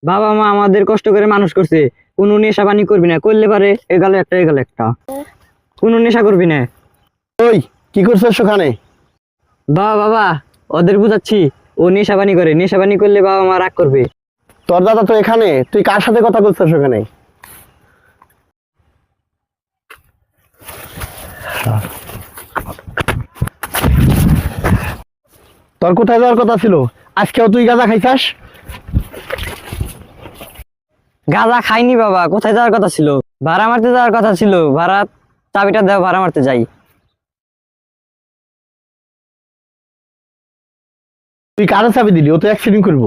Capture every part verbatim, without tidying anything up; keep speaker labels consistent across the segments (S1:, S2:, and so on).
S1: বাবা মা আমাদের কষ্ট করে মানুষ করছে, কোনো নেশা পানি করবি না, করলে পারে এগালো একটা এগালো একটা, কোনো নেশা করবি না।
S2: ওই কি করছিস ওখানে?
S1: বাবা বাবা ওদের বুঝাচ্ছি, ও নেশা পানি করে, নেশা পানি করলে বাবা মা রাগ করবে।
S2: তোর দাদা তো এখানে, তুই কার সাথে কথা বলছিস ওখানে? তোর কোথায় যাওয়ার কথা ছিল? আজকেও তুই গাঁজা খাইছাস?
S1: গাঁজা খাইনি বাবা, কোথায় যাওয়ার কথা ছিল? ভাড়া মারতে যাওয়ার কথা ছিল, ভাড়া চাবিটা দাও, ভাড়া মারতে যাই।
S2: তুই কারে চাবি দিলি? ও তো অ্যাক্সিডেন্ট করবো।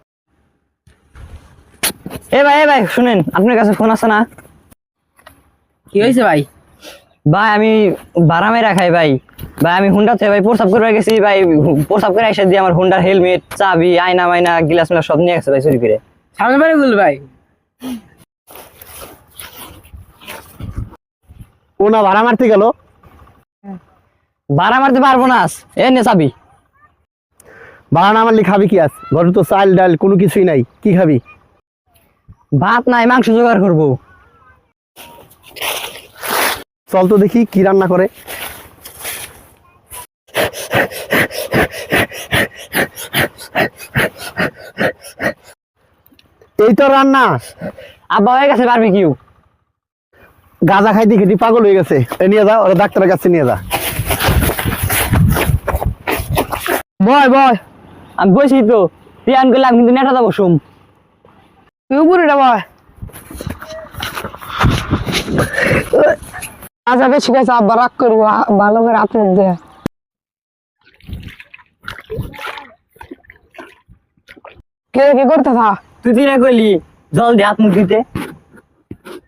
S1: এ ভাই এ ভাই শুনেন, আপনার কাছে ফোন আছে না?
S3: কি হয়েছে ভাই?
S1: ভাই আমি ভাড়া মেরা খাই ভাই। ভাই আমি হুন্ডাতে ভাই প্রসাব করে গেছি ভাই, প্রসাব করে এসে দিয়ে আমার হুন্ডার হেলমেট, চাবি, আয়না মাইনা, গ্লাস মিলাস সব নিয়ে গেছে ভাই চুরি করে।
S3: সামনে বাড়ি বল ভাই।
S2: ও না ভাড়া মারতে গেল?
S1: ভাড়া মারতে পারবো না, এ নে চাবি।
S2: ভাড়া না মারলে খাবি কি? আজ ঘরে তো চাল ডাল কোনো কিছুই নাই, কি খাবি?
S1: ভাত নাই, মাংস জোগাড় করবো।
S2: চল তো দেখি কি রান্না করে। এই তো রান্না।
S1: আব্বা হয়ে গেছে বারবিকিউ।
S2: গাঁজা খাইতে খেতে পাগল হয়ে গেছে, এ নিয়ে যা, ওরা ডাক্তারের কাছে নিয়ে যা।
S1: বয় বয়, আমি বসি তো, পিয়ান করলে আমি কিন্তু নেটাতে বসুম।
S3: তুই উপরে ভাই। আচ্ছা বেশি গেছে, আব্বা রাগ করবো, ভালো করে আপন দে। কে কি করতে থা?
S1: তুই তুই না কইলি জল দিয়ে হাত মুখ দিতে।